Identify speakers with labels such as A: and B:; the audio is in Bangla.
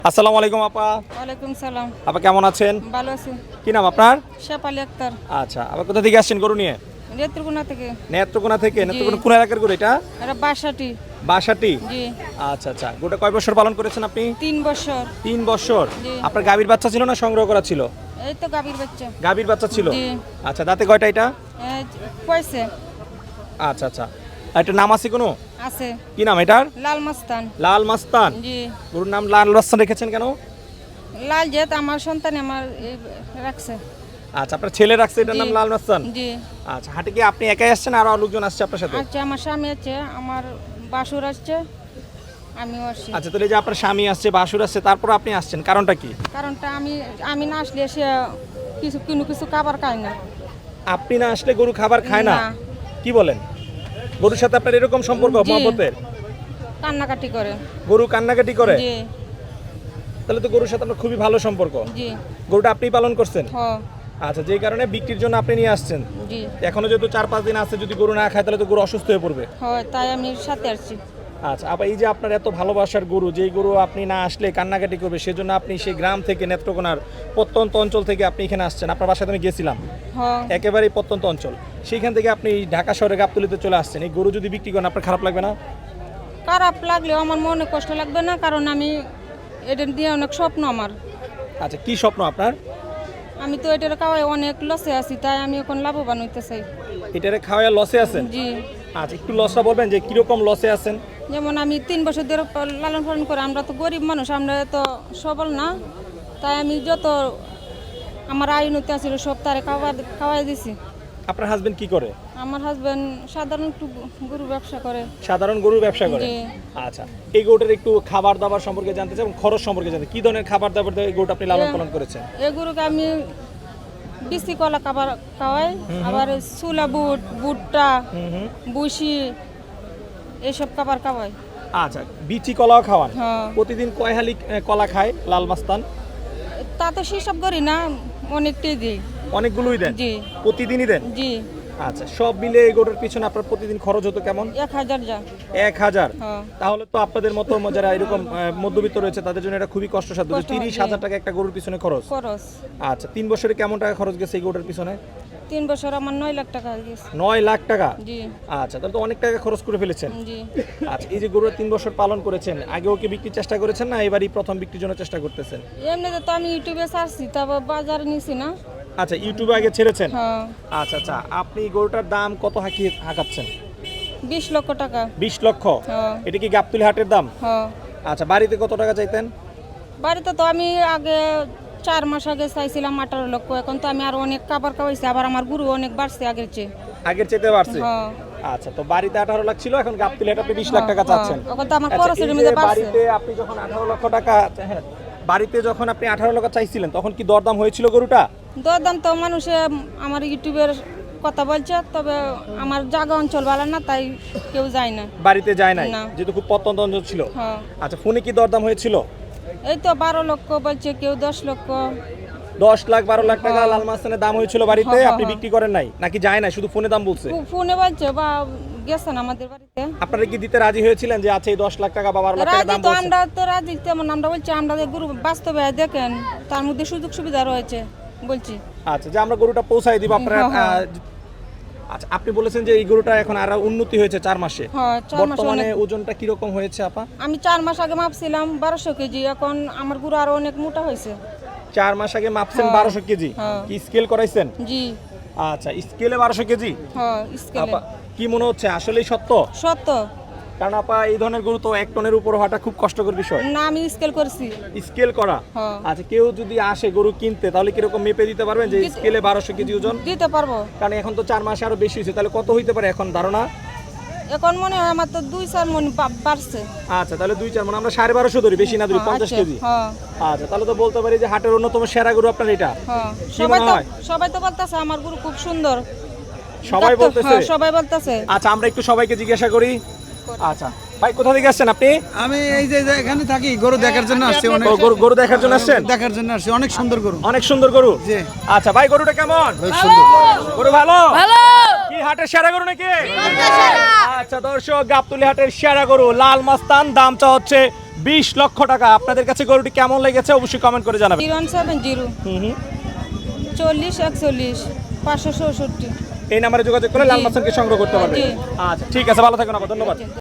A: আসসালামু আলাইকুম আপা।
B: ওয়ালাইকুম সালাম।
A: আপা কেমন আছেন?
B: ভালো আছি।
A: কি নাম আপনার?
B: শেফালি আক্তার।
A: আচ্ছা, আপা কোথা থেকে আসছেন গরু নিয়ে?
B: নেত্রকোনা থেকে।
A: নেত্রকোনা থেকে।
B: জি।
A: নেত্রকোনা কোন এলাকার গরু এটা?
B: এটা বাসাটি।
A: বাসাটি।
B: জি।
A: আচ্ছা আচ্ছা, গরুটা কয় বছর পালন করেছেন আপনি?
B: 3 বছর।
A: 3 বছর।
B: জি।
A: আপনার গাভীর বাচ্চা ছিল না সংগ্রহ করা ছিল?
B: এই তো গাভীর বাচ্চা।
A: গাভীর বাচ্চা ছিল।
B: জি।
A: আচ্ছা, দাঁতে কয়টা এটা?
B: কয়ছে?
A: আচ্ছা আচ্ছা, একটা নাম আছে কোনো?
B: আছে।
A: কি নাম এটার?
B: লাল মাস্তান।
A: লাল মাস্তান।
B: জি।
A: গরুর নাম লাল মাস্তান রেখেছেন কেন?
B: লাল জেত আমার সন্তান আমার রাখছে।
A: আচ্ছা, আপনার ছেলে রাখছে এটার নাম
B: জি।
A: লাল মাস্তান।
B: জি।
A: আচ্ছা, হাটে কি আপনি একাই আসছেন আর লোকজন আসছে আপনার সাথে?
B: আচ্ছা, আমার স্বামী আছে, আমার বাসুর আসছে, আমিও আসছি।
A: আচ্ছা, তাহলে যে আপনার স্বামী আসছে বাসুর আসছে তারপর আপনি আসছেন, কারণটা কি?
B: কারণটা আমি না আসলে সে কিছু খাবার খায় না।
A: আপনি না আসলে গরু খাবার খায় না?
B: না।
A: কি বলেন? গরুর সাথে আপনার এরকম সম্পর্ক
B: জি।
A: মহব্বতের?
B: কান্নাকাটি করে।
A: গরু কান্নাকাটি করে?
B: জি।
A: তাহলে তো গরুর সাথে আপনার খুবই ভালো সম্পর্ক।
B: জি।
A: গরুটা আপনিই পালন করছেন?
B: হ।
A: আচ্ছা, যেই কারণে বিক্রির জন্য আপনি নিয়ে আসছেন।
B: জি।
A: এখনো যেহেতু 4-5 দিন আছে, যদি গরু না খায় তাহলে তো গরু অসুস্থ হয়ে পড়বে।
B: হয়, তাই আমি সাথে আসছি।
A: আচ্ছা, আবার এই যে আপনার এত ভালোবাসার গরু, যেই গরু আপনি না আসলে কান্নাকাটি করবে, সেজন্য আপনি সেই গ্রাম থেকে নেত্রকোনার প্রত্যন্ত অঞ্চল থেকে আপনি এখানে আসছেন। আপনার বাসায় আমি গেছিলাম,
B: হ্যাঁ।
A: একেবারেই প্রত্যন্ত অঞ্চল, সেইখান থেকে আপনি ঢাকা শহরে গাবতলীতে চলে আসছেন। এই গরু যদি বিক্রি করেন আপনার খারাপ লাগবে না?
B: খারাপ লাগলেও আমার মনে কষ্ট লাগবে না, কারণ আমি এটা দিয়ে অনেক স্বপ্ন আমার।
A: আচ্ছা, কি স্বপ্ন আপনার?
B: আমি তো এটার খাওয়াই অনেক লসে আছি, তাই আমি এখন লাভবান হইতে চাই।
A: এটারে খাওয়া লসে আছেন?
B: জি।
A: আচ্ছা, একটু লসটা বলবেন যে কিরকম লসে আছেন?
B: যেমন আমি 3 বছর ধরে লালন পালন করে, আমরা তো গরিব মানুষ, আমরা তো সবল না, তাই আমি যত আমার আয় উন্নতি আছিল সব তারে খাওয়াই দিছি।
A: আপনার হাজবেন্ড কি করে?
B: আমার হাজবেন্ড সাধারণ একটু গরু ব্যবসা করে।
A: সাধারণ গরুর ব্যবসা করে?
B: জি।
A: আচ্ছা, এই গরুটার একটু খাবার দাবার সম্পর্কে জানতে চাই এবং খরচ সম্পর্কে জানতে, কি ধরনের খাবার দাবার দিয়ে এই গরুটা আপনি লালন পালন করেছেন?
B: এই গরুকে আমি বিসি কলা খাবার খাওয়াই, আবার চুলা ভুট্টা, বুসি এইসব খাবার খাওয়াই।
A: আচ্ছা, বিচি কলাও খাওয়ান?
B: হ্যাঁ।
A: প্রতিদিন কয় হালি কলা খায় লাল মাস্তান?
B: তা তো সেসব করি না, অনেকটাই দিই।
A: অনেকগুলোই দেন?
B: জি।
A: প্রতিদিনই দেন?
B: জি।
A: আচ্ছা, সব মিলে এই গরুর পিছনে আপনার প্রতিদিন খরচ হতো কেমন?
B: 1000 যা।
A: 1000?
B: হ্যাঁ।
A: তাহলে তো আপনাদের মতো যারা এরকম মধ্যবিত্ত রয়েছে তাদের জন্য এটা খুবই কষ্টসাধ্য।
B: কষ্ট,
A: 30,000
B: জি।
A: টাকা একটা গরুর পিছনে খরচ?
B: খরচ।
A: আচ্ছা, 3 বছরে কেমন টাকা খরচ গেছে এই গরুর পিছনে?
B: 3 বছর আমার 9 লাখ টাকা হয়ে গেছে।
A: 9 লাখ টাকা?
B: জি।
A: আচ্ছা, তাহলে তো অনেক টাকা খরচ করে ফেলেছেন।
B: জি।
A: আচ্ছা, এই যে গরুর 3 বছর পালন করেছেন, আগেও কি বিক্রির চেষ্টা করেছেন না এবারই প্রথম বিক্রির জন্য চেষ্টা করতেছেন?
B: এমনিতে তো আমি ইউটিউবে ছাড়ছি, তারপর বাজারে নিছি না।
A: আচ্ছা, ইউটিউবে আগে ছেড়েছেন?
B: হ্যাঁ।
A: আচ্ছা আচ্ছা, আপনি গরুটার দাম কত হাঁকাচ্ছেন?
B: 20 লক্ষ টাকা।
A: 20 লক্ষ?
B: হ্যাঁ।
A: এটা কি গাবতলী হাটের দাম?
B: হ্যাঁ।
A: আচ্ছা, বাড়িতে কত টাকা চাইতেন?
B: বাড়িতে তো আমি আগে 4 মাস আগে চাইছিলাম 18 লক্ষ, এখন তো আমি আরো অনেক খাবার খাওয়াইছি, আবার আমার গরু অনেক বাড়ছে আগের চেয়ে।
A: আগের চাইতে বাড়ছে?
B: হ্যাঁ।
A: আচ্ছা, তো বাড়িতে 18 লাখ ছিল, এখন গাবতলী হাটে আপনি 20 লাখ টাকা চাচ্ছেন?
B: এখন তো আমার
A: আচ্ছা,
B: খরচের
A: এই যে
B: মধ্যে বাড়ছে।
A: বাড়িতে আপনি যখন 18 লক্ষ টাকা, হ্যাঁ, বাড়িতে যখন আপনি 18 লক্ষ চাইছিলেন তখন কি দরদাম হয়েছিল গরুটা?
B: দরদাম তো মানুষে আমার ইউটিউবের কথা বলছে, তবে আমার জায়গা অঞ্চল ভালো না, তাই কেউ যায় না।
A: বাড়িতে যায় নাই
B: না।
A: যেহেতু খুব প্রত্যন্ত অঞ্চল ছিল?
B: হ্যাঁ।
A: আচ্ছা, ফোনে কি দরদাম হয়েছিল?
B: এই তো 12 লক্ষ বলছে, কেউ 10 লক্ষ।
A: 10 লাখ 12 লাখ টাকা
B: হ্যাঁ।
A: লাল মাস্তানের দাম হয়েছিল বাড়িতে,
B: হ্যাঁ,
A: আপনি
B: হ্যাঁ।
A: বিক্রি করেন নাই নাকি যায় না, শুধু ফোনে দাম বলছে?
B: ফোনে বলছে বা গেছেন আমাদের বাড়িতে।
A: আপনারা কি দিতে রাজি হয়েছিলেন যে আচ্ছা এই 10 লাখ টাকা বা 12 লাখ টাকা
B: রাজি
A: দাম
B: তো,
A: বলছে?
B: আমরা তো রাজি, তেমন আমরা বলছি আমরা যে গরু বাস্তবে দেখেন, তার মধ্যে সুযোগ সুবিধা রয়েছে বলছি।
A: আচ্ছা, যে আমরা গরুটা পৌঁছাই দিব আপনারা।
B: হ্যাঁ, হ্যাঁ।
A: আচ্ছা, আপনি বলেছেন যে এই গরুটা এখন আরো উন্নতি হয়েছে 4 মাসে।
B: হ্যাঁ, 4 মাসে
A: বর্তমানে
B: অনেক।
A: ওজনটা কি রকম হয়েছে আপা?
B: আমি 4 মাস আগে মাপছিলাম 1200 কেজি, এখন আমার গরু আরো অনেক মোটা হয়েছে।
A: 4 মাস আগে মাপছেন
B: হ্যাঁ।
A: 1200 কেজি?
B: হ্যাঁ।
A: কি স্কেল করাইছেন?
B: জি।
A: আচ্ছা, স্কেলে 1200 কেজি?
B: হ্যাঁ, স্কেলে।
A: আপা, কি মনে হচ্ছে আসলেই সত্য?
B: সত্য।
A: কারণ আপা এই ধরনের গরু তো 1 টনের উপর হওয়াটা খুব কষ্টকর বিষয়।
B: না, আমি স্কেল করছি।
A: স্কেল করা?
B: হ্যাঁ।
A: আচ্ছা, কেউ যদি আসে গরু কিনতে তাহলে কিরকম মেপে দিতে পারবেন যে স্কেলে 1200 কেজি ওজন?
B: দিতে পারবো।
A: কারণ এখন তো 4 মাসে আরো বেশি হয়েছে, তাহলে কত হইতে পারে এখন ধারণা?
B: এখন মনে হয় আমার তো 2-4 মণ বাড়ছে।
A: আচ্ছা, তাহলে 2-4 মানে আমরা 1250 ধরি, বেশি না ধরি,
B: হ্যাঁ,
A: 50
B: আচ্ছা,
A: কেজি।
B: হ্যাঁ।
A: আচ্ছা, তাহলে তো বলতে পারি যে হাটের অন্যতম সেরা গরু আপনার এটা।
B: হ্যাঁ।
A: কি মনে হয়?
B: সবাই তো বলতেছে আমার গরু খুব সুন্দর।
A: সবাই বলতেছে?
B: হ্যাঁ, সবাই বলতেছে।
A: আচ্ছা, আমরা একটু সবাইকে জিজ্ঞাসা করি। আচ্ছা ভাই, কোথা থেকে আসছেন আপনি?
C: আমি এই যে এখানে থাকি, গরু দেখার জন্য আসছি। অনেক
A: ও, গরু দেখার জন্য আসছেন?
C: দেখার জন্য আসছি, অনেক সুন্দর গরু।
A: অনেক সুন্দর গরু?
C: জি।
A: আচ্ছা ভাই, গরুটা কেমন? গরু ভালো? কি হাটের সেরা গরু নাকি? আচ্ছা দর্শক, গাবতলী হাটের সেরা গরু লাল মাস্তান, দাম চা হচ্ছে 20 লক্ষ টাকা। আপনাদের কাছে গরুটি কেমন লেগেছে অবশ্যই কমেন্ট করে জানাবেন।
B: 0170 40 41 567।
A: এই নাম্বারে যোগাযোগ করে লাল মাছকে সংগ্রহ করতে পারবেন।
B: জি।
A: আচ্ছা ঠিক আছে, ভালো থাকুন আপা, ধন্যবাদ।